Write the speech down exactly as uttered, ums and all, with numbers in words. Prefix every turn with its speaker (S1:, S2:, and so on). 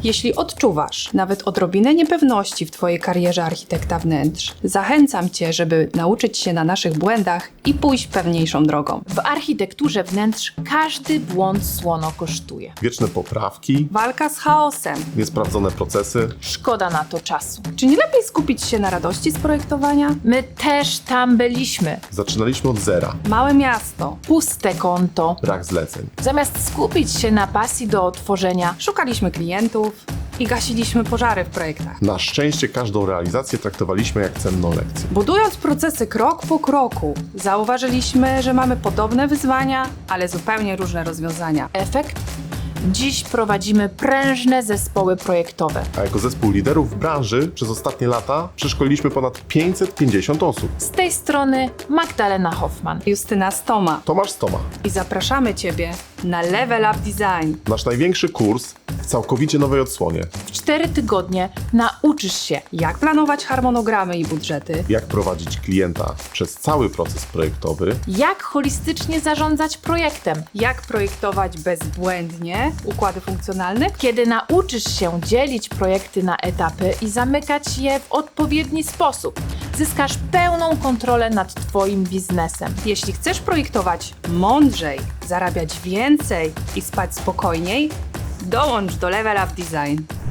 S1: Jeśli odczuwasz nawet odrobinę niepewności w Twojej karierze architekta wnętrz, zachęcam Cię, żeby nauczyć się na naszych błędach i pójść pewniejszą drogą.
S2: W architekturze wnętrz każdy błąd słono kosztuje.
S3: Wieczne poprawki,
S1: Walka z chaosem.
S3: niesprawdzone procesy.
S2: Szkoda na to czasu.
S1: Czy nie lepiej skupić się na radości z projektowania?
S2: My też tam byliśmy.
S3: Zaczynaliśmy od zera.
S1: Małe miasto.
S2: Puste konto.
S3: Brak zleceń.
S2: Zamiast skupić się na pasji do tworzenia,
S1: Szukaliśmy klientów i gasiliśmy pożary w projektach.
S3: Na szczęście każdą realizację traktowaliśmy jak cenną lekcję.
S1: Budując procesy krok po kroku, zauważyliśmy, że mamy podobne wyzwania, ale zupełnie różne rozwiązania.
S2: efekt? Dziś prowadzimy prężne zespoły projektowe.
S3: A jako zespół liderów w branży przez ostatnie lata przeszkoliliśmy ponad pięćset pięćdziesiąt osób.
S2: Z tej strony Magdalena Hoffman.
S1: Justyna Stoma
S3: Tomasz Stoma.
S1: i zapraszamy Ciebie na Level Up Design.
S3: Nasz największy kurs w całkowicie nowej odsłonie.
S2: W cztery tygodnie nauczysz się,
S1: Jak planować harmonogramy i budżety,
S3: Jak prowadzić klienta przez cały proces projektowy.
S2: jak holistycznie zarządzać projektem.
S1: jak projektować bezbłędnie układy funkcjonalne,
S2: Kiedy nauczysz się dzielić projekty na etapy i zamykać je w odpowiedni sposób, zyskasz pełną kontrolę nad Twoim biznesem.
S1: jeśli chcesz projektować mądrzej, zarabiać więcej i spać spokojniej, dołącz do Level Up Design.